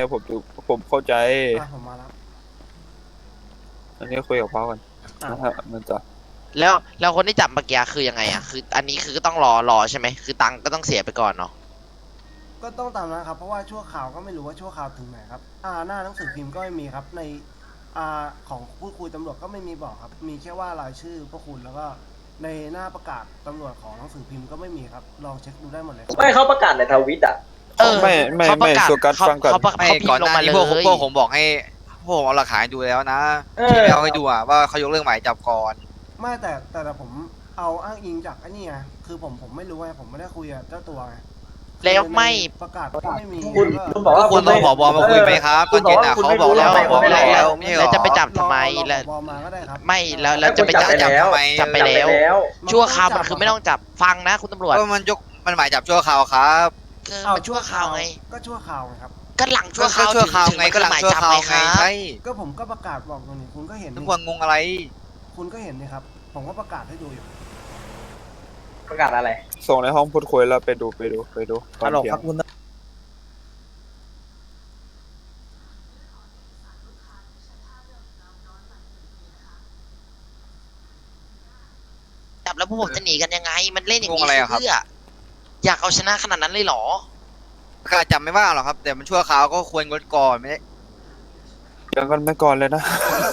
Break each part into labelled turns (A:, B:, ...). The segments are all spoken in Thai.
A: ผมเข้าใจ
B: ผมมาแล้ว
A: อันนี้คุยกับพ่อกันนะฮะมันจะ
C: แล้วคนที่จับเมื่อกี้คือยังไงอ่ะคืออันนี้คือก็ต้องรอใช่ไหมคือตังค์ก็ต้องเสียไปก่อนเนาะ
B: ก็ต้องตามนะครับเพราะว่าชั่วข่าวก็ไม่รู้ว่าชั่วข่าวถึงไหนครับหน้าหนังสือพิมพ์ก็ไม่มีครับในของพูดคุยตำรวจก็ไม่มีบอกครับมีแค่ว่ารายชื่อพวกคุณแล้วก็ในหน้าประกาศตำรวจของหนังสือพิมพ์ก็ไม่มีครับลองเช็คดูได้หมดเลย
D: ไม่เขาประกาศในทวิตอ่ะ
A: ไม่โซกัสฟังก่อน
C: เขาพิมพ์ลงมาเลย
E: พวกผมบอกให้พวกผมเอาหลักฐานดูแล้วนะที่เอาให้ดูอ่ะว่าเขายกเรื่องหมายจับก่อน
B: ไม่แต่ผมเอาอ้างอิงจากไอ้นี่ไงคือผมไม่รู้ไงผมไม่ได้คุยกับเจ้าตัวไง
C: แล้วไม่
B: ประกาศก็ไม่มี
D: คุณบอกว่า
E: คุณต้องผบมาคุยไหมครับตอนเย็นอ่ะเขาบอกแล้วบอกแล้วไม่ใช่หร
C: แล้
E: อ
C: วจะไปจับทำไมแล้ว
B: มาก็ได้ครับ
C: ไม่แล้วจะไปจับทำไมจับไปแล้วชั่วคราวมันคือไม่ต้องจับฟังนะคุณตำรวจ
E: ก็มันหมายจับชั่วคราวครับ
C: คือมันชั่วคราวไง
B: ก็ชั่วคราวไงครับ
C: ก็หลังชั่วคราว
E: ชั่วคราวไงก็หลังชั่วคราวไงใช่
B: ก็ผมก็ประกาศบอกตรงนี้คุณก็เห็น
E: ทุกคนงงอะไร
B: คุณก็เห็นนี่ครับผมก็ประกาศให้ดูอยู่
D: ประกาศอะไร
A: ส่งในห้องพูดคุยแล้วไปดูตอนเที่ยง
C: จับแล้วพวกผมจะหนีกันยังไงมันเล่นอย่างนี้เพื่ออยากเอาชนะขนาดนั้นเลยหรอ
E: การจับไม่ว่าหรอกครับแต่มันชั่วคราวก็ควรงดก่อนไม่ได้
A: ยังกันไม่ก่อนเลยนะ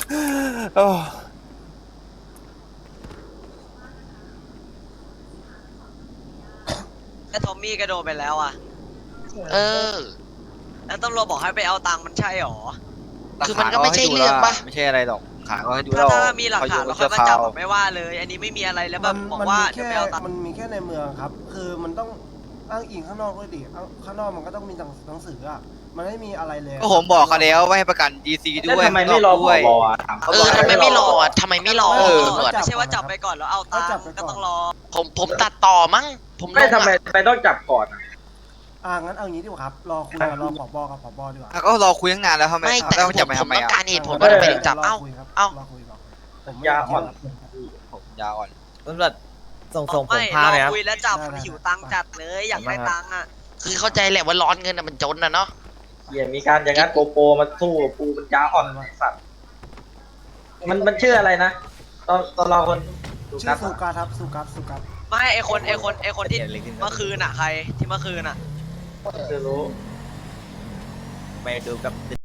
F: แล้วทอมมี่กระโดดไปแล้วอ่ะแล้วตำรวจบอกให้ไปเอาตังค์มันใช่หรอ
C: คือมันก็ไม่ใช่เรื่องป่ะ
E: ไม่ใช่อะไรหรอกขาก็ให้ดู
F: ถ้ามีหลักฐานเราค่อยมาจับไม่ว่าเลยอันนี้ไม่มีอะไรแล้วแบบบอกว่าเดี๋ยวไปเอาตังค์
B: มันมีแค่ในเมืองครับคือมันต้องอ้างอิงข้างนอกด้วยดิข้างนอกมันก็ต้องมีหนังสืออ่ะมันไม่มีอะไรเลย
E: ก็ผมบอกเขาแล้วว่าให้ประกัน DC ด้วย
D: ทำไมไม่รอด้วย
C: ทำไมไม่รอทำไมไม่รอตำรวจ
F: ไม่ใช่ว่าจับไปก่อนแล้วเอาตังค์ก็ต้องรอ
C: ผมตัดต่อมั้งผม
D: ไม่ทำไมไปต้องจับก่อน
B: งั้นเอางี้ดีกว่าครับรอคุยรอผบกับผบดีกว่า
E: ก็รอคุยตั้งนานแล้วทำไมแล้วจับไปทำไม
C: ต้องการเหตุผลว่าทำไมถึงจับเอ้า
B: ผมยาอ่อน
E: ยาอ่อน
G: ตำรวจส่งผมพา
F: เล
G: ยครับ
F: คุยแล้วจับหิวตังค์จัดเลยอยากได้ตังค์อ่ะ
C: คือเข้าใจแหละว่าร้อนเงินมันจนนะเนาะ
D: มีการอย่างนั้นโปมาสู้ปูมันยาอ่อนสัตว์มันชื่ออะไรนะตอนเราคน
B: ชื่อสุกัสครับสุกัส
F: ไม่ไอคนที่เมื่อคืนอ่ะใครที่เมื่อคืนอ่ะ
D: จะรู้
G: ไปดูกับ